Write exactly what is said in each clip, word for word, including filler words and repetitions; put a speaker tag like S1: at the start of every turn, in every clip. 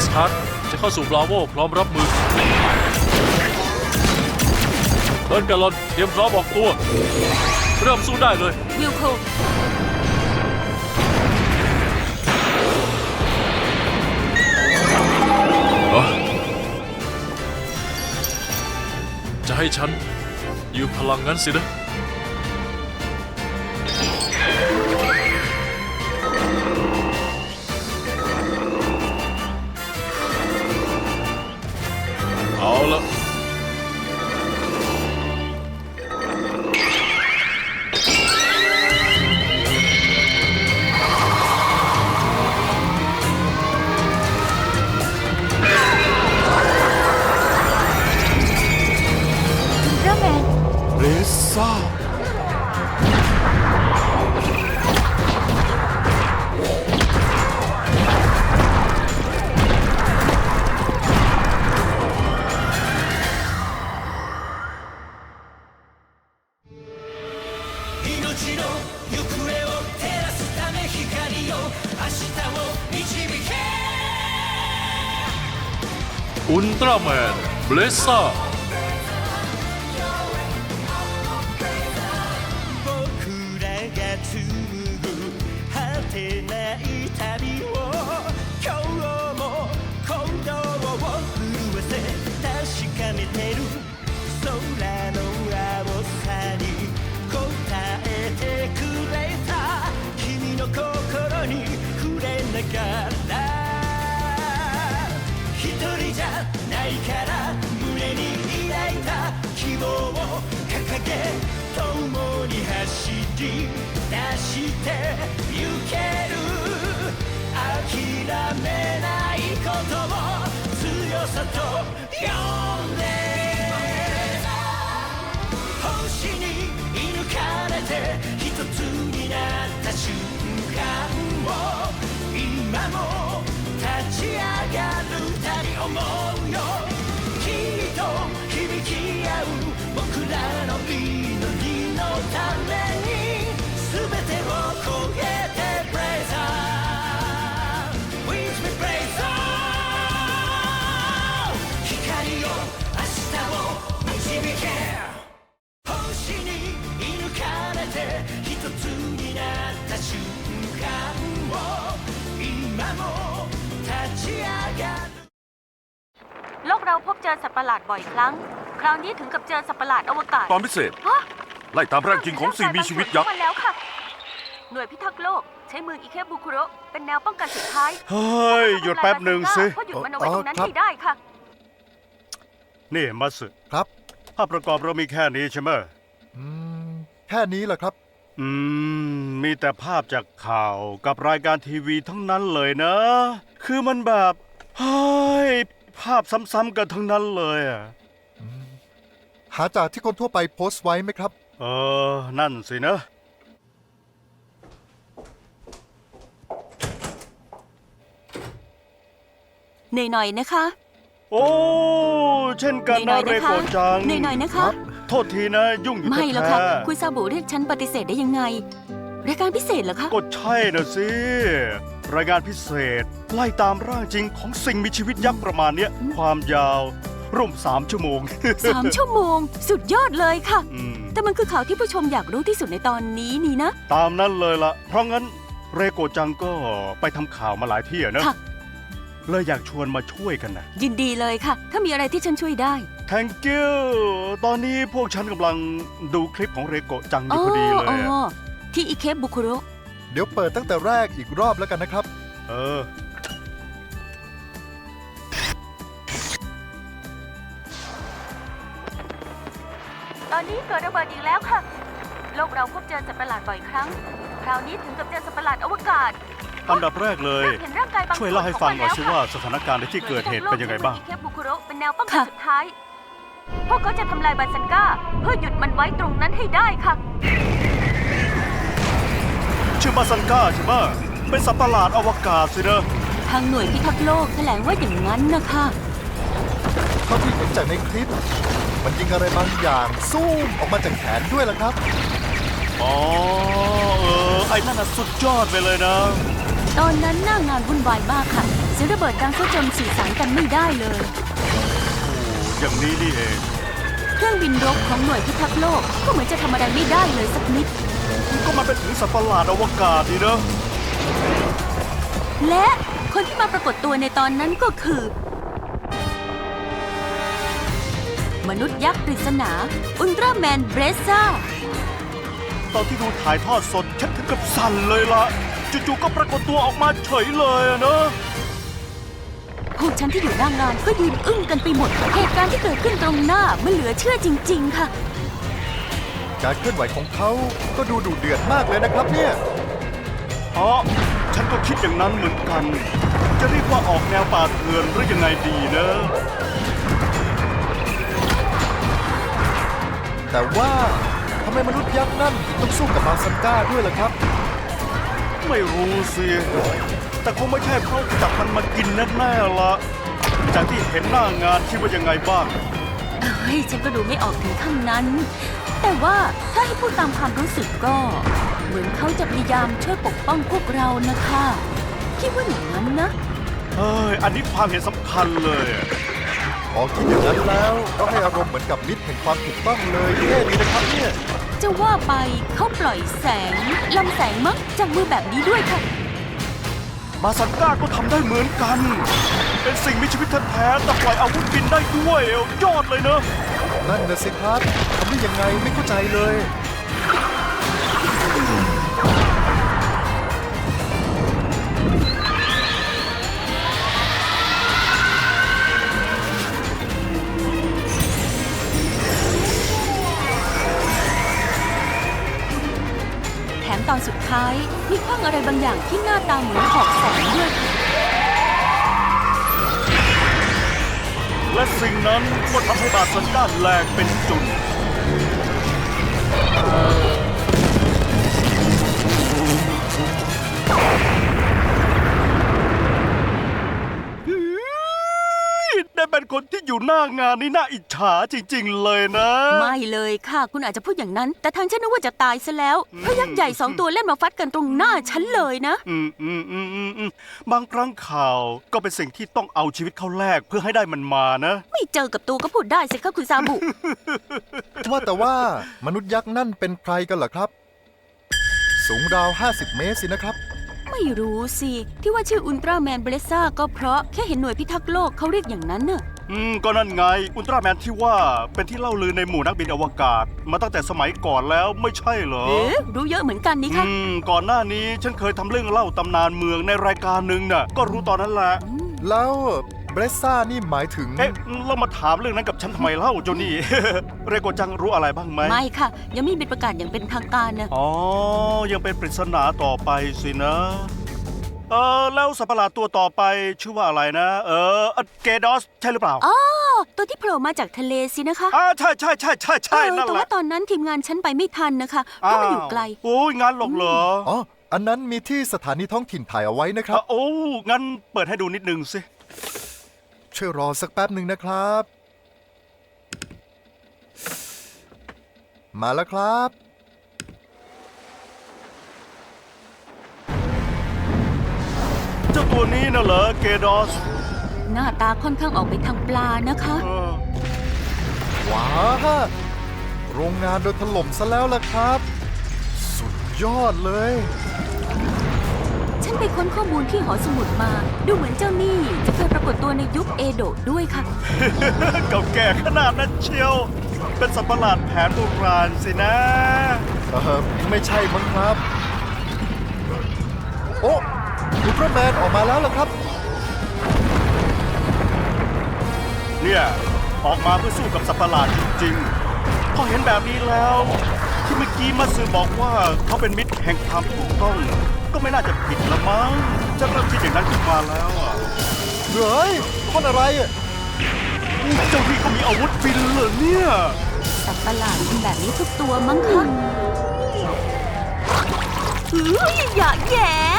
S1: สฮาร์ดจะเข้าสู่บราโวพร้อมรับมือเบิร์นกาลอนเตรียมพร้อมออกตัวเริ่มสู้ได้เลย
S2: วิลโค
S1: จะให้ฉันยืมพลังงั้นสินะเอาละ
S3: เรซ่า
S1: อุลตร้าแมนเบลซ่า
S2: โลกเราพบเจอสัตว์ประหลาดบ่อยครั้งคราวนี้ถึงกับเจอสัตว์ประหลาดอวกาศ
S3: ตอนพิเศษไล่ตามร่างจริงของสิ่งมีชีวิตยักษ์
S2: มาแล้วค่ะหน่วยพิทักษ์โลกใช้เมืองอิเคบุคุโระเป็นแนวป้องกันสุดท้าย
S3: เฮ้ยหยุดแป๊บหนึ่งสิ
S2: เพราะหยุดมันเอาไว้ตรงนั้นให้ได้ค่ะ
S3: นี่มาสึ
S4: ครับ
S3: ภาพประกอบเรามีแค่นี้ใช่ไหม
S4: อืมแค่นี้แหละครับ
S3: อืมมีแต่ภาพจากข่าวกับรายการทีวีทั้งนั้นเลยนะ คือมันแบบเฮ้ยภาพซ้ำๆกันทั้งนั้นเลยอ่ะ
S4: หาจากที่คนทั่วไปโพสต์ไว้ไหมครับ
S3: เออนั่นสินะ
S2: เหนื่อยหน่อยนะคะ
S3: โอ้เช่นกันนะเรโกจัง
S2: เหนื่อยหน่อยนะคะ
S3: โทษทีนะยุ่งอยู่แท้
S2: ไม่หรอกค่ะคุณซาบุเรียกฉันปฏิเสธได้ยังไงรายการพิเศษเหรอคะ
S3: ก็ใช่นะสิรายการพิเศษไล่ตามร่างจริงของสิ่งมีชีวิตยักษ์ประมาณนี้ความยาวร่วมสามชั่วโมง
S2: สามชั่วโมงสุดยอดเลยค่ะแต่มันคือข่าวที่ผู้ชมอยากรู้ที่สุดในตอนนี้นี่นะ
S3: ตามนั้นเลยล่ะเพราะงั้นเรโกจังก็ไปทำข่าวมาหลายที่นะเลยอยากชวนมาช่วยกันนะ
S2: ยินดีเลยค่ะถ้ามีอะไรที่ฉันช่วยได้
S3: Thank you ตอนนี้พวกฉันกำลังดูคลิปของเรโกจังอยู่พอดีเลย
S2: ที่อิเคบุคุโระ
S4: เดี๋ยวเปิดตั้งแต่แรกอีกรอบแล้วกันนะครับ
S3: เออ
S2: ตอนนี้เกิดระเบิดอีกแล้วค่ะโลกเราพบเจอสัตว์ประหลาดบ่อยครั้งคราวนี้ถึงกับเจอสัตว์ประหลาดอวกาศ
S3: อันดับแรกเลยช่วยเล่าให้ฟังหน่อยสิว่าสถานการณ์ในที่เกิดเหตุเป็นยังไงบ้าง
S2: อิเคบุคุโระเป็นแนวป้องกันสุดท้ายพวกเขาจะทำลายบันซันก้าเพื่อหยุดมันไว้ตรงนั้นให้ได้ค่ะ
S3: ชื่อมาซันก้าใช่ไหมเป็นสัตว์ประหลาดอวกาศสินะ
S2: ทางหน่วยพิทักษ์โลกแถลงว่าอย่างนั้นนะคะ
S4: เท่าที่เห็นจากในคลิปมันยิงอะไรบางอย่างซูมออกมาจากแขนด้วยล่ะครับ
S3: อ๋อเออไอ้นั่นน่ะสุดยอดไปเลยนะ
S2: ตอนนั้นหน้างานวุ่นวายมากค่ะเซสียงระเบิดดังซะจนสื่อสารกันไม่ได้เลย
S3: อย่างนี้นี่เอง
S2: เครื่องบินรบของหน่วยพิทักษ์โลกก็เหมือนจะทำอะไรไม่ได้เลยสักนิด
S3: ก็มันเป็นถึงสัตว์ประหลาดอวกาศนี่นะ
S2: และคนที่มาปรากฏตัวในตอนนั้นก็คือ มนุษย์ยักษ์ปริศนาอุลตร้าแมนเบรซ่า
S3: ตอนที่ดูถ่ายทอดสดฉันถึงกับสั่นเลยล่ะจู่ๆก็ปรากฏตัวออกมาเฉยเลยอะนะ
S2: พวกฉันที่อยู่หน้างานก็ยืนอึ้งกันไปหมด เหตุการณ์ที่เกิดขึ้นตรงหน้ามันเหลือเชื่อจริงๆค่ะ
S4: การเคลื่อนไหวของเขาก็ดูดุเดือดมากเลยนะครับเนี่ย
S3: อ๋อฉันก็คิดอย่างนั้นเหมือนกัน จะเรียกว่าออกแนวป่าเถื่อนหรือยังไงดีนะ
S4: แต่ว่าทำไมมนุษย์ยักษ์นั่นถึงต้องสู้กับมาซันก้าด้วยล่ะครับ
S3: ไม่รู้สิ แต่คงไม่ใช่เพราะจับมันมากินแน่ๆละจากที่เห็นหน้างานคิดว่ายังไงบ้าง
S2: เฮ้ยฉันก็ดูไม่ออกถึงข้างนั้น แต่ว่าถ้าให้พูดตามความรู้สึกก็ เหมือนเขาจะพยายามช่วยปกป้องพวกเรานะคะคิดว่าอย่างนั้นนะ
S3: เฮ้ย อันนี้ความเห็นสำคัญเลยอะ
S4: พอคิดอย่างนั้นแล้วก็ให้อารมณ์เหมือนกับมิตรแห่งความถูกต้องเลยเท่ดีนะครับเนี่ย
S2: จะว่าไปเขาปล่อยแสงลำแสงมั้งจากมือแบบนี้ด้วยค่ะ
S3: มาซันก้าก็ทำได้เหมือนกัน เป็นสิ่งมีชีวิตแท้ๆแต่ปล่อยอาวุธบินได้ด้วย ยอดเลยเนอะ
S4: นั่นนะสิครับทำได้ยังไงไม่เข้าใจเลย
S2: แถมตอนสุดท้ายมีขว้างอะไรบางอย่างที่หน้าตาเหมือนหอกแสงด้วยค่ะ
S3: และสิ่งนั้นก็ทำให้มาซันก้าแหลกเป็นจุด ได้เป็นคนที่อยู่หน้างานนี่น่าอิจฉาจริงๆเลยนะ
S2: ไม่เลยค่ะ คุณอาจจะพูดอย่างนั้น แต่ทางฉันนึกว่าจะตายซะแล้วเพราะยักษ์ใหญ่สองตัวเล่นมาฟัดกันตรงหน้าฉันเลยนะ
S3: อืมอืมอืมอืมอืมบางครั้งข่าวก็เป็นสิ่งที่ต้องเอาชีวิตเข้าแลกเพื่อให้ได้มันมานะ
S2: ไม่เจอกับตัวก็พูดได้สิคะคุณซาบุ
S4: ว่าแต่ว่ามนุษย์ยักษ์นั่นเป็นใครกันเหรอครับ สูงราว ห้าสิบ เมตรสินะครับ
S2: ไม่รู้สิ ที่ว่าชื่ออุลตร้าแมนเบรซ่าก็เพราะแค่เห็นหน่วยพิทักษ์โลกเขาเรียกอย่างนั้นน่ะ
S3: อืมก็นั่นไง อุลตร้าแมนที่ว่าเป็นที่เล่าลือในหมู่นักบินอวกาศ มาตั้งแต่สมัยก่อนแล้วไม่ใช่เหรอ
S2: เอ๊ะรู้เยอะเหมือนกันนี่คะ
S3: อืมก่อนหน้านี้ฉันเคยทำเรื่องเล่าตำนานเมืองในรายการหนึ่งน่ะ ก็รู้ตอนนั้นแหละ
S4: แล้วเบรซ่านี่หมายถึง
S3: เอ๊ะเรามาถามเรื่องนั้นกับฉันทำไมเล่าเจ้านี่ เรโกจังรู้อะไรบ้างไหม
S2: ไม่ค่ะ ยังไม่มีประกาศอย่างเป็นทางการนะ
S3: อ๋อ ยังเป็นปริศนาต่อไปสินะ เออแล้วสัตว์ประหลาดตัวต่อไปชื่อว่าอะไรนะ เออเกดอสใช่หรือเปล่า
S2: อ๋อ ตัวที่โผล่มาจากทะเลสินะคะ
S3: อ่าใช่ใช่ใช่ใช่ใช่
S2: เออ
S3: นั่น
S2: แต่
S3: แห
S2: ว่า
S3: ละ
S2: ตอนนั้นทีมงานฉันไปไม่ทันนะคะเพราะมันอยู่ไกล
S3: โอ้ยงานหรอกเหรอ
S4: อ๋อ อันนั้นมีที่สถานีท้องถิ่นถ่ายเอาไว้นะครับ
S3: อ่ะโอ้งั้นเปิดให้ดูนิดนึงสิ
S4: ช่วยรอสักแป๊บหนึ่งนะครับ มาแล้วครับ
S3: เจ้าตัวนี้น่ะเหรอเกดอส
S2: หน้าตาค่อนข้างออกไปทางปลานะคะ
S3: เออ
S4: ว้าโรงงานโดนถล่มซะแล้วล่ะครับ สุดยอดเลย
S2: ฉันไปค้นข้อมูลที่หอสมุดมา ดูเหมือนเจ้านี่จะเคยปรากฏตัวในยุคเอโดะด้วยค่ะ
S3: เก่าแก่ขนาดนั้นเชียว เป็นสัตว์ประหลาดแผนโบราณสินะ
S4: เออไม่ใช่มั้งครับ โอ้อุลตร้าแมนออกมาแล้วล่ะครับ
S3: เนี่ย ออกมาเพื่อสู้กับสัตว์ประหลาดจริงๆ พอเห็นแบบนี้แล้ว ที่เมื่อกี้มาสือบอกว่าเขาเป็นมิตรแห่งความถูกต้อง ก็ไม่น่าจะผิดละมั้งจะเริ่มคิดอย่างนั้นขึ้นมาแล้วอ่ะ
S4: เฮ้ยคนอะไรอ่ะ
S3: เจ้าพี่ก็มีอาวุธบินเหรอเนี่ย
S2: สัตว์ประหลาดเป็นแบบนี้ทุกตัวมั้งคะเฮ้ยอย่าแหย่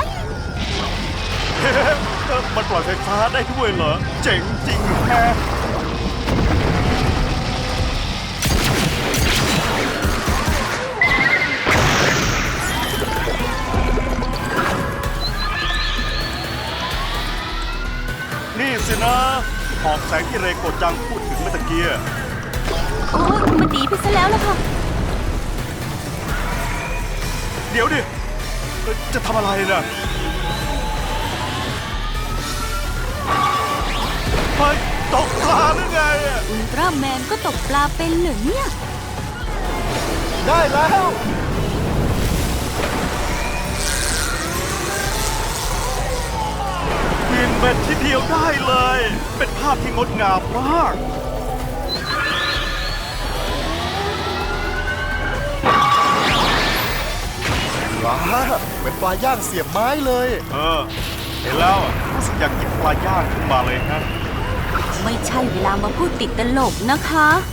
S3: มันปล่อยไฟฟ้าได้ด้วยเหรอ เจ๋งจริงแฮะสินะหอกแสงที่เรโกจังพูดถึงเมื่อตะเกีย
S2: โอ้ยมันหนีไปซะแล้วล่ะค่ะ
S3: เดี๋ยวดิเอ่อจะทำอะไรนะเฮ้ยตกปลาหรือไงอะ
S2: อุลตร้าแมนก็ตกปลาเป็นเหรอเนี่ย
S4: ได้แล้ว
S3: บินเป็นทีเดียวได้เลย เป็นภาพที่งดงามมาก
S4: ว้าเป็นปลาย่างเสียบไม้เลย
S3: เออ เห็นแล้วอะรู้สึกอยากกินปลาย่างขึ้นมาเลยฮะ
S2: ไม่ใช่เวลามาพูดติดตลกนะคะ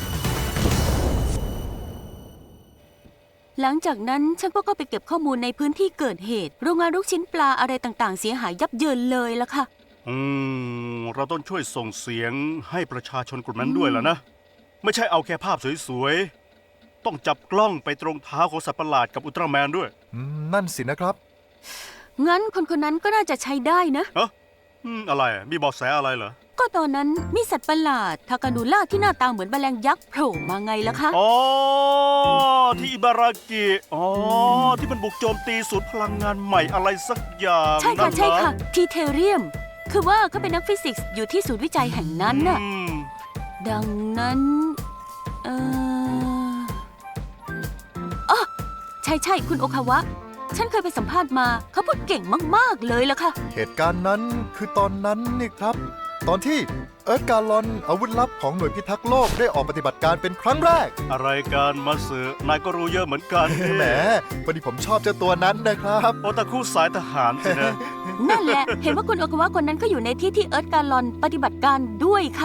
S2: หลังจากนั้นฉันก็เข้าไปเก็บข้อมูลในพื้นที่เกิดเหตุ โรงงานลูกชิ้นปลาอะไรต่างๆ เสียหายยับเยินเลยละค่ะ
S3: อืม เราต้องช่วยส่งเสียงให้ประชาชนกลุ่มนั้นด้วยล่ะนะ ไม่ใช่เอาแค่ภาพสวยๆ ต้องจับกล้องไปตรงเท้าของสัตว์ประหลาดกับอุลตร้าแมนด้วย
S4: อืม นั่นสินะครับ
S2: งั้นคนคนนั้นก็น่าจะใช้ได้นะ
S3: เอ้ออืมอะไรอะมีเบาะแสอะไรเหรอ
S2: ก็ตอนนั้นมีสัตว์ประหลาดทากานูล่าที่หน้าตาเหมือนแมลงยักษ์โผล่มาไงล่ะคะ
S3: อ๋อ ที่อิบารากิ อ๋อ ที่มันบุกโจมตีศูนย์พลังงานใหม่อะไรสักอย่าง
S2: ใช่ค่ะ
S3: นั่นเหรอ
S2: ใช่ค่ะ ทีเทเรียม คือว่าเขาเป็นนักฟิสิกส์อยู่ที่ศูนย์วิจัยแห่งนั้นน่ะ
S3: อืม
S2: ดังนั้น เอออ๋อใช่ใช่คุณโอคาวะ ฉันเคยไปสัมภาษณ์มา เขาพูดเก่งมาก ๆ เลยล่ะค่ะ
S4: เหตุการณ์นั้นคือตอนนั้นนี่ครับ ตอนที่เอิร์ธการลอนอาวุธลับของหน่วยพิทักษ์โลกได้ออกปฏิบัติการเป็นครั้งแรก
S3: อะไรกันมาสือนายก็รู้เยอะเหมือนกันนี่
S4: แหมพอดีผมชอบเจ้าตัวนั้นนะครับ
S3: โอตาคุสายทหารสินะ
S2: นั่นแหละ เห็นว่าคุณโอคาวะคนนั้นก็อยู่ในที่ที่เอิร์ธการลอนปฏิบัติการด้วยค่ะ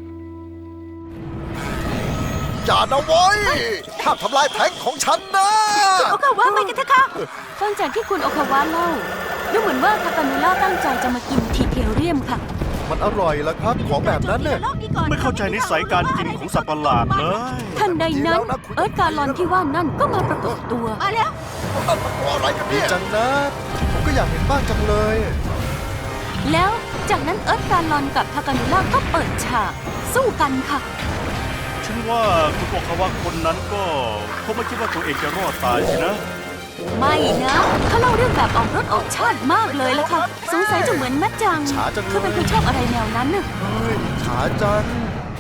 S4: อย่านะเว้ยห้ามทำลายแท้งของฉันนะ
S2: โอคาวะไปกันเถอะค่ะฟังจากที่คุณโอคาวะเล่าดูเหมือนว่าทากานูล่าตั้งใจจะมากินทีเทเรียมค่ะ
S4: มันอร่อยแล้วครับ ของแบบนั้นเนี่ย
S3: ไม่เข้าใจนิสัยการกินของสัตว์ประหลาดเลย
S2: ทันใดนั้น เอิร์ธการลอนที่ว่านั่นก็มาปรากฏตัว
S4: อะไรกันเนี่ยจังนะ ผมก็อยากเห็นบ้างจังเลย
S2: แล้วจากนั้นเอิร์ธการลอนกับทากานูล่าก็เปิดฉาก สู้กันค่ะ
S3: ฉันว่าคุณโอคาวะคนนั้นก็คงไม่คิดว่าตัวเองจะรอดตายสินะ
S2: ไม่นะเขาเล่าเรื่องแบบออกรถออกชาติมากเลยละค่ะ สงสัยจะเหมือนแม่จัง
S4: ช้าจังเลย
S2: เขาเป็นคนชอบอะไรแนวนั้นน่ะ
S4: เฮ้ยขาจัง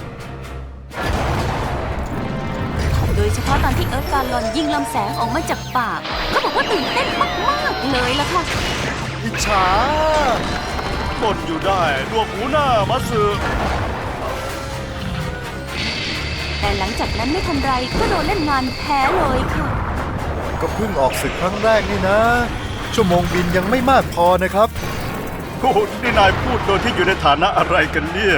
S2: โดยเฉพาะตอนที่เอิร์ธการลอนยิงลำแสงออกมาจากปากเขาบอกว่าตื่นเต้นมากๆเลยละค่ะ
S4: อิจฉา
S3: บ่นอยู่ได้ดวงหูหน้ามาสือ
S2: แต่หลังจากนั้นไม่ทันไรก็โดนเล่นงานแพ้เลยค่ะ
S4: ก็เพิ่งออกศึกครั้งแรกนี่นะ ชั่วโมงบินยังไม่มากพอนะครับ
S3: โอ้โหนี่นายพูดโดยที่อยู่ในฐานะอะไรกันเนี่ย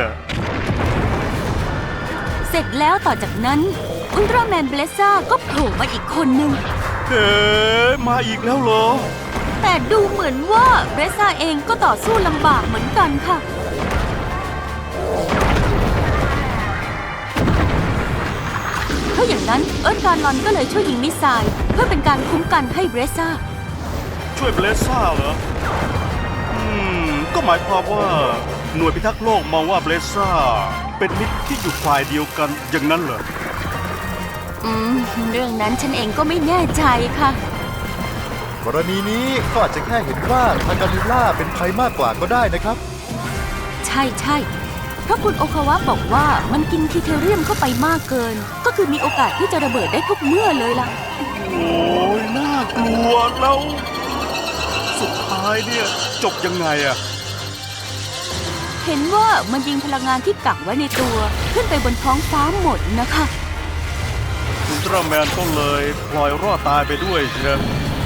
S2: เสร็จแล้วต่อจากนั้นอุลตร้าแมนเบลซ่าก็โผล่มาอีกคนนึง
S3: เฮ้มาอีกแล้วเหรอ
S2: แต่ดูเหมือนว่าเบลซ่าเองก็ต่อสู้ลำบากเหมือนกันค่ะ เพราะอย่างนั้นเอิร์ธการลอนก็เลยช่วยยิงมิสไซล์เพื่อเป็นการคุ้มกันให้เบรซ่า
S3: ช่วยเบลซ่าเหรอ อืม ก็หมายความว่าหน่วยพิทักษ์โลกมองว่าเบลซ่าเป็นมิตรที่อยู่ฝ่ายเดียวกันอย่างนั้นเหรอ
S2: อืม เรื่องนั้นฉันเองก็ไม่แน่ใจค่ะ
S4: กรณีนี้ก็อาจจะแค่เห็นว่าทางกานิล่าเป็นภัยมากกว่าก็ได้นะครับ
S2: ใช่ใช่เพราะคุณโอคาวะบอกว่ามันกินทีเทเรียมเข้าไปมากเกิน ก็คือมีโอกาสที่จะระเบิดได้ทุกเมื่อเลยล่ะ
S3: โอ้ยน่ากลัวแล้ว สุดท้ายเนี่ย จบยังไงอะ
S2: เห็นว่ามันยิงพลังงานที่กักไว้ในตัว ขึ้นไปบนท้องฟ้าหมดนะคะ
S3: อุลตร้าแมนก็เลยพลอยรอดตายไปด้วยใช่ไหม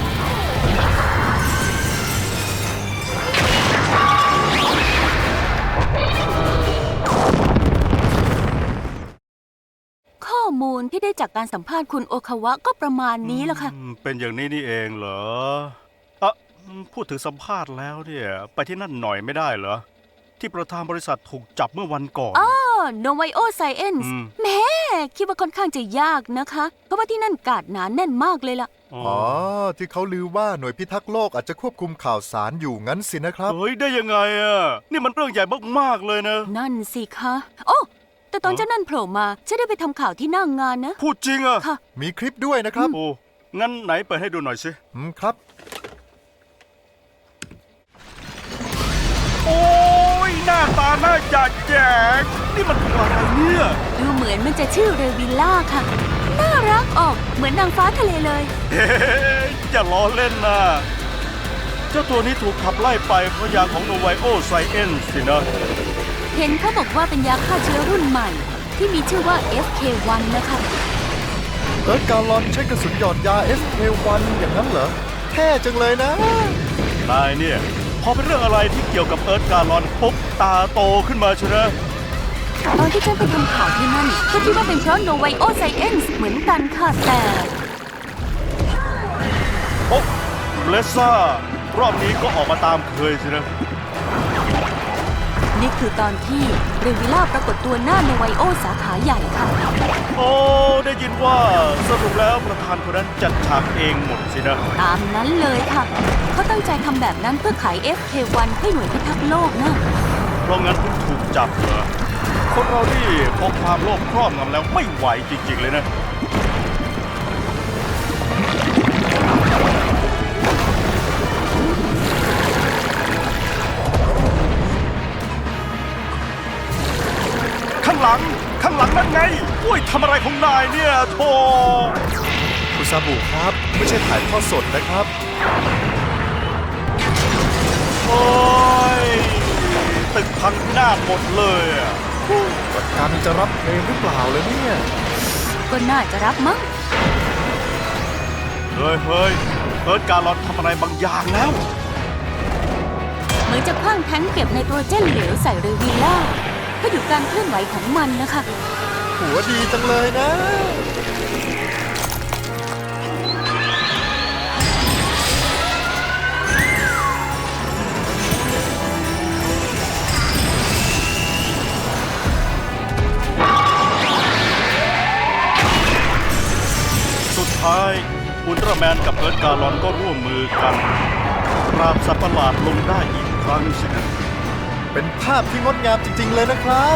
S2: ข้อมูลที่ได้จากการสัมภาษณ์คุณโอคาวะก็ประมาณนี้แหละค่ะ
S3: อืมเป็นอย่างนี้นี่เองเหรออ่ะพูดถึงสัมภาษณ์แล้วเนี่ย ไปที่นั่นหน่อยไม่ได้เหรอ ที่ประธานบริษัทถูกจับเมื่อวันก่อน
S2: อ๋อ Novio Science
S3: อืม
S2: แหม่คิดว่าค่อนข้างจะยากนะคะ เพราะว่าที่นั่นกาดหนาแน่นมากเลยล่ะ
S3: อ๋อ
S4: อ๋อ ที่เขาลือว่าหน่วยพิทักษ์โลกอาจจะควบคุมข่าวสารอยู่งั้นสินะครับ
S3: เฮ้ยได้ยังไงอ่ะนี่มันเรื่องใหญ่มากๆเลยนะ
S2: นั่นสิคะโอ้แต่ตอน
S3: อ๋อ
S2: เจ้านั่นโผล่มาฉันได้ไปทำข่าวที่หน้างงานนะ
S3: พูดจริงอ่ะ
S2: ค่ะ
S4: มีคลิปด้วยนะครับ
S3: โอ้งั้นไหนเปิดให้ดูหน่อยสิ
S4: อืมครับ
S3: โอ้ยหน้าตาน่าจะแจกนี่มันตัวอะไรเนี่ย
S2: ดูเหมือนมันจะชื่อเรวิลล่าค่ะ น่ารักออกเหมือนนางฟ้าทะเลเลย
S3: เฮ้ยอย่าล้อเล่นนะเจ้าตัวนี้ถูกขับไล่ไปเพราะยาของโนไวโอไซเอนสินะ
S2: เห็นเขาบอกว่าเป็นยาฆ่าเชื้อรุ่นใหม่ ที่มีชื่อว่า เอฟ เค วัน นะคะ
S4: เอิร์ธการลอนใช้กระสุนหยอดยา เอส เค วัน อย่างนั้นเหรอเท่จังเลยนะ
S3: นายเนี่ยพอเป็นเรื่องอะไรที่เกี่ยวกับเอิร์ธการอนปุ๊บตาโตขึ้นมาใช่ไหม
S2: ตอนที่ฉันไปทำข่าวที่นั่นก็คิดว่าเป็นเพราะโนไวโอไซเอนส์เหมือนกันค่ะแต่
S3: โอ๊ะเลซ่ารอบนี้ก็ออกมาตามเคยสินะ
S2: นี่คือตอนที่เรวิลล่าปรากฏตัวหน้าโนไวโอสาขาใหญ่ค่ะ
S3: โอ้ได้ยินว่าสรุปแล้วประธานคนนั้นจัดฉากเองหมดสินะ
S2: ตามนั้นเลยค่ะ เขาตั้งใจทำแบบนั้นเพื่อขาย เอฟ เค วัน ให้หน่วยพิทักษ์โลกนะ
S3: เพราะงั้นถึงถูกจับเหรอคนเรานี่พอความโลภครอบงำแล้วไม่ไหวจริงๆเลยนะ ข้างหลัง ข้างหลังนั่นไงอุ้ยทำอะไรของนายเนี่ยโธ่
S4: คุณซาบุครับ ไม่ใช่ถ่ายทอดสดนะครับ
S3: โอ้ยตึกพังพินาศหมดเลยอะ
S4: การจะรับเพลงหรือเปล่าเลยเนี่ย
S2: ก็น่าจะรับมั้ง
S3: เฮ้ยเฮ้ยเอิร์ธการอนทำอะไรบางอย่างแล้ว
S2: เหมือนจะคว้างแท้งเก็บไนโตรเจนเหลวใส่เรวิลล่าเพื่อหยุดการเคลื่อนไหวของมันนะคะ
S4: หัวดีจังเลยนะ
S3: สุดท้ายอุลตร้าแมนกับเอิร์ธการอนก็ร่วมมือกันปราบสัตว์ประหลาดลงได้อีกครั้งสินะ
S4: เป็นภาพที่งดงามจริง ๆ เลยนะครับ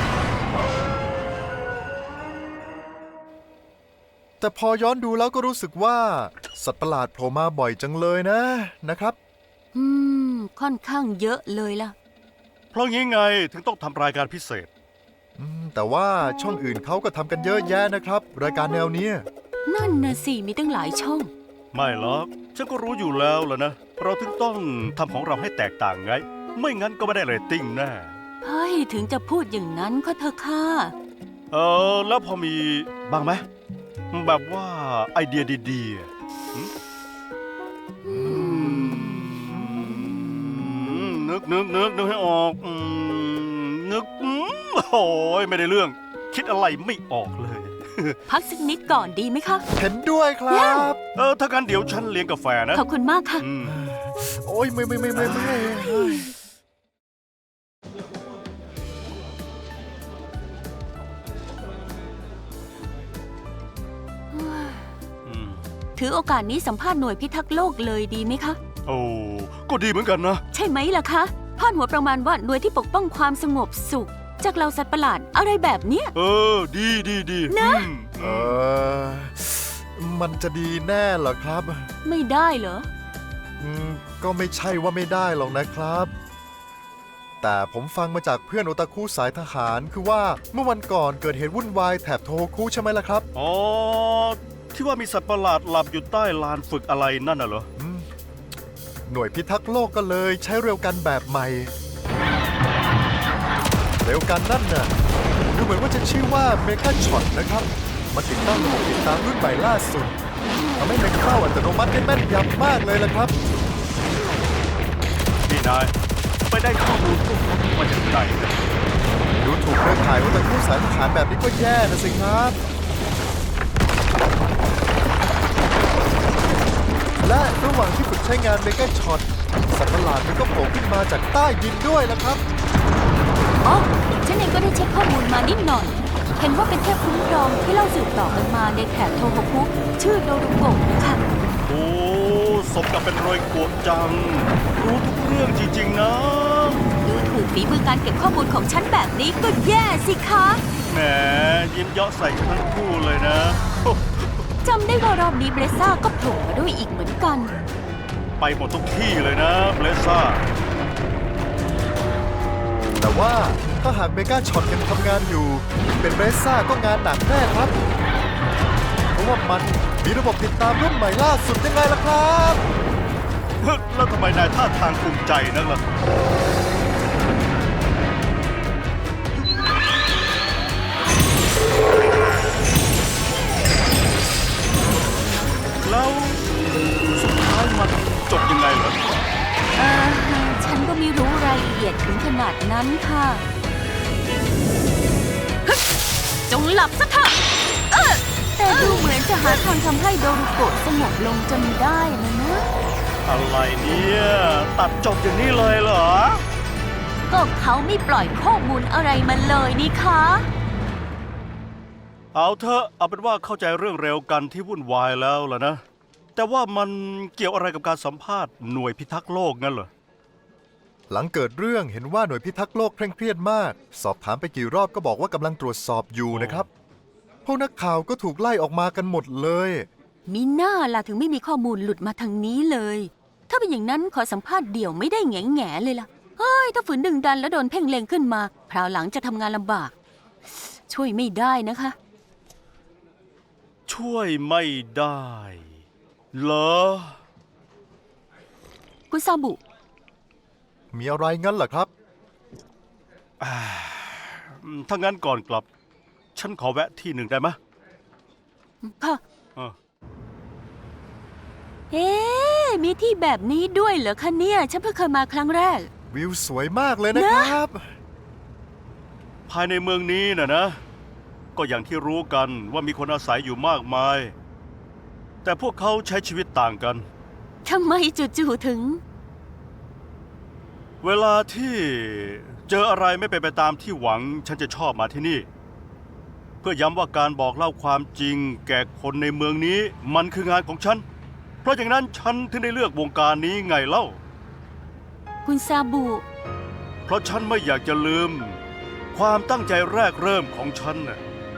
S4: แต่พอย้อนดูแล้วก็รู้สึกว่า สัตว์ประหลาดโผล่มาบ่อยจังเลยนะนะครับ
S2: อืม ค่อนข้างเยอะเลยล่ะ
S3: เพราะงี้ไงถึงต้องทำรายการพิเศษ
S4: อืมแต่ว่าช่องอื่นเขาก็ทำกันเยอะแยะนะครับ รายการแนวเนี้ย
S2: นั่นนะสิ มีตั้งหลายช่อง
S3: ไม่หรอกฉันก็รู้อยู่แล้วล่ะนะ เราถึงต้องทำของเราให้แตกต่างไง ไม่งั้นก็ไม่ได้เรตติ้งแน่
S2: เฮ้ย ถึงจะพูดอย่างนั้นก็เถอะค่ะ
S3: เออแล้วพอมีบ้างไหมแบบว่าไอเดียดีๆอะหึอืมนึกนึกนึกนึกให้ออกอืมนึกอืมโอ้ยไม่ได้เรื่อง คิดอะไรไม่ออกเลย
S2: พักสักนิดก่อนดีไหมคะ
S4: เห็นด้วยครับ
S3: เออถ้างั้นเดี๋ยวฉันเลี้ยงกาแฟนะ
S2: ขอบคุณมากค่ะ
S3: อืม
S4: โอ้ยไม่ไม่ไม่ไม่ไม่
S3: อืม
S2: ถือโอกาสนี้สัมภาษณ์หน่วยพิทักษ์โลกเลยดีไหมคะ
S3: โอ้ก็ดีเหมือนกันนะ
S2: ใช่ไหมล่ะคะพาดหัวประมาณว่าหน่วยที่ปกป้องความสงบสุข จากเหล่าสัตว์ประหลาดอะไรแบบเนี้ย
S3: เออ ดีดีดี
S2: นะ
S3: อืม
S4: เออมันจะดีแน่เหรอครับ
S2: ไม่ได้เหรอ
S4: อืมก็ไม่ใช่ว่าไม่ได้หรอกนะครับ แต่ผมฟังมาจากเพื่อนโอตาคุสายทหารคือว่าเมื่อวันก่อนเกิดเหตุวุ่นวายแถบโทโฮคุใช่ไหมล่ะครับ
S3: อ๋อ ที่ว่ามีสัตว์ประหลาดหลับอยู่ใต้ลานฝึกอะไรนั่นน่ะเหรอ
S4: อืมหน่วยพิทักษ์โลกก็เลยใช้เร็วกันแบบใหม่ เร็วกันนั่นน่ะดูเหมือนว่าจะชื่อว่าเมกาช็อตนะครับมันติดตั้งระบบติดตามรุ่นใหม่ล่าสุดทำให้เล็งเป้าอัตโนมัติได้แม่นยำมากเลยล่ะครับ
S3: พี่นาย ไปได้ข้อมูลพวกนี้มาจากไหนเนี่ย
S4: ดูถูกเครือข่ายโอตาคุสายทหารแบบนี้ก็แย่นะสิครับ และระหว่างที่ฝึกใช้งานเมกาช็อตสัตว์ประหลาดมันก็โผล่ขึ้นมาจากใต้ดินด้วยล่ะครับ
S2: อ๋อ ฉันเองก็ได้เช็คข้อมูลมานิดหน่อย เห็นว่าเป็นเทพคุ้มครองที่เล่าสืบต่อกันมาในแถบโทโฮคุชื่อโดรุโกะนะคะ
S3: โอ้สมกับเป็นรอยกวกจัง รู้ทุกเรื่องจริง ๆ นะ
S2: ดูถูกฝีมือการเก็บข้อมูลของฉันแบบนี้ก็แย่สิคะ
S3: แหมยิ้มเยาะใส่กันทั้งคู่เลยนะ
S2: จำได้ว่ารอบนี้เบรซ่าก็โผล่มาด้วยอีกเหมือนกัน
S3: ไปหมดทุกที่เลยนะเบลซ่า
S4: แต่ว่าถ้าหากเมกาช็อตยังทำงานอยู่ เป็นเบรซ่าก็งานหนักแน่ครับ เพราะว่ามันมีระบบติดตามรุ่นใหม่ล่าสุดยังไงล่ะครับ
S3: แล้วทำไมนายท่าทางภูมิใจนักล่ะ แล้วสุดท้ายมันจบยังไงเหรอ
S2: เออฉันก็ไม่รู้รายละเอียดถึงขนาดนั้นค่ะฮึ่มจงหลับซะเถอะเอ้อแต่ดูเหมือนจะหาทางทำให้โดรุโกะสงบลงจนได้นะนะ
S3: อะไรเนี่ย ตัดจบอย่างนี้เลยเหรอ
S2: ก็เขาไม่ปล่อยข้อมูลอะไรมาเลยนี่คะ
S3: เอาเถอะเอาเป็นว่าเข้าใจเรื่องเร็วกันที่วุ่นวายแล้วล่ะนะ แต่ว่ามันเกี่ยวอะไรกับการสัมภาษณ์หน่วยพิทักษ์โลกงั้นเหรอ
S4: หลังเกิดเรื่องเห็นว่าหน่วยพิทักษ์โลกเคร่งเครียดมาก สอบถามไปกี่รอบก็บอกว่ากำลังตรวจสอบอยู่นะครับ พวกนักข่าวก็ถูกไล่ออกมากันหมดเลย
S2: มีหน้าล่ะถึงไม่มีข้อมูลหลุดมาทางนี้เลย ถ้าเป็นอย่างนั้นขอสัมภาษณ์เดี่ยวไม่ได้แง่แง่ๆเลยล่ะ เฮ้ย ถ้าฝืนดึงดันแล้วโดนเพ่งเล็งขึ้นมาคราวหลังจะทำงานลำบาก ช่วยไม่ได้นะคะ
S3: ช่วยไม่ได้เหรอ
S2: คุณซาบุ
S4: มีอะไรงั้นเหรอครับ
S3: อืมถ้างั้นก่อนกลับ ฉันขอแวะที่หนึ่งได้ไหม
S2: ค่ะ
S3: เออ
S2: เอ๊ะมีที่แบบนี้ด้วยเหรอคะเนี่ย ฉันเพิ่งเคยมาครั้งแรก
S4: วิวสวยมากเลยนะครับ
S3: ภายในเมืองนี้นะนะ ก็อย่างที่รู้กันว่ามีคนอาศัยอยู่มากมาย แต่พวกเขาใช้ชีวิตต่างกัน
S2: ทำไมจู่ๆถึง
S3: เวลาที่เจออะไรไม่เป็นไปตามที่หวัง ฉันจะชอบมาที่นี่ เพื่อย้ำว่าการบอกเล่าความจริง แก่คนในเมืองนี้มันคืองานของฉัน เพราะอย่างนั้นฉันถึงได้เลือกวงการนี้ไงเล่า
S2: คุณซาบุ
S3: เพราะฉันไม่อยากจะลืม ความตั้งใจแรกเริ่มของฉันน่ะ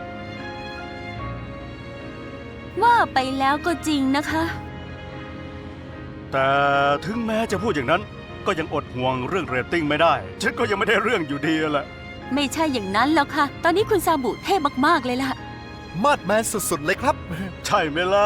S2: ว่าไปแล้วก็จริงนะคะ
S3: แต่ถึงแม้จะพูดอย่างนั้น ก็ยังอดห่วงเรื่องเรตติ้งไม่ได้ ฉันก็ยังไม่ได้เรื่องอยู่ดีแหละ
S2: ไม่ใช่อย่างนั้นหรอกค่ะ ตอนนี้คุณซาบุเท่มากๆเลยล่ะ
S4: มาดแมนสุดๆเลยครับ
S3: ใช่ไหมล่ะ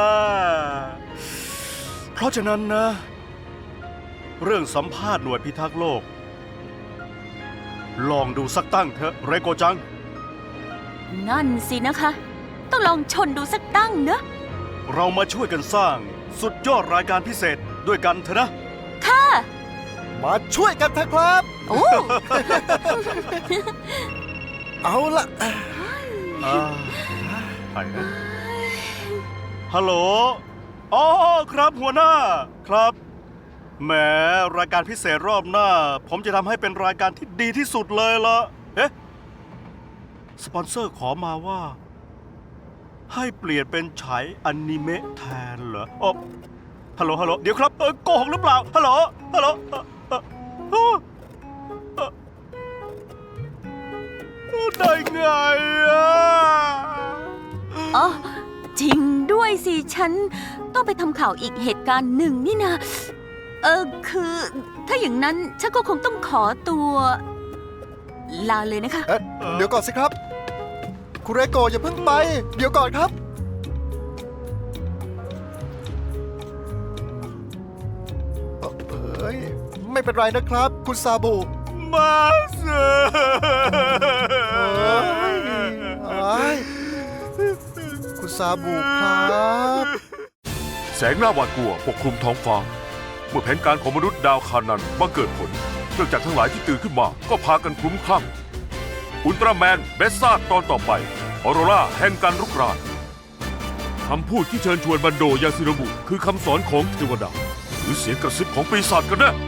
S3: เพราะฉะนั้นนะ เรื่องสัมภาษณ์หน่วยพิทักษ์โลก ลองดูสักตั้งเถอะเรโกจัง
S2: นั่นสินะคะ ต้องลองชนดูสักตั้งเนอะ
S3: เรามาช่วยกันสร้างสุดยอดรายการพิเศษด้วยกันเถอะนะ
S2: ค่ะ
S4: มาช่วยกันเถอะครับ
S2: โอ้
S4: เอาละ
S3: อ่าใครนะฮัลโหล อ๋อครับหัวหน้า ครับ แหมรายการพิเศษรอบหน้า ผมจะทำให้เป็นรายการที่ดีที่สุดเลยละเอ๊ะ สปอนเซอร์ขอมาว่า ให้เปลี่ยนเป็นฉายอนิเมะแทนเหรออ๋อฮัลโหล ฮัลโหล เดี๋ยวครับ เออโกหกหรือเปล่า ฮัลโหล ฮัลโหลเอ่อเอ่อเอ่อเอ่อเอ่อได้ไงอ่ะ
S2: อ๋อจริงด้วยสิ ฉันต้องไปทำข่าวอีกเหตุการณ์หนึ่งนี่นะ เออคือ ถ้าอย่างนั้นฉันก็คงต้องขอตัว ลาเลยนะคะ
S4: เอ๊ะเดี๋ยวก่อนสิครับ คุณเรโกะอย่าเพิ่งไป เดี๋ยวก่อนครับ เอ้ย ไม่เป็นไรนะครับ คุณซาบุ
S3: มาเส
S4: เอ้ยเอ้ยคุณซาบุครับ
S1: แสงหน้าหวาดกลัวปกคลุมท้องฟ้า เมื่อแผนการของมนุษย์ดาวคานันบังเกิดผลเครื่องจักรทั้งหลายที่ตื่นขึ้นมาก็พากันคลุ้มคลั่งอุลตร้าแมนเบสซ่าตอนต่อไปออโรราแห่งการรุกรานคำพูดที่เชิญชวนบันโดยาซิโนบุคือคำสอนของเทวดาหรือเสียงกระซิบของปีศาจกันแน่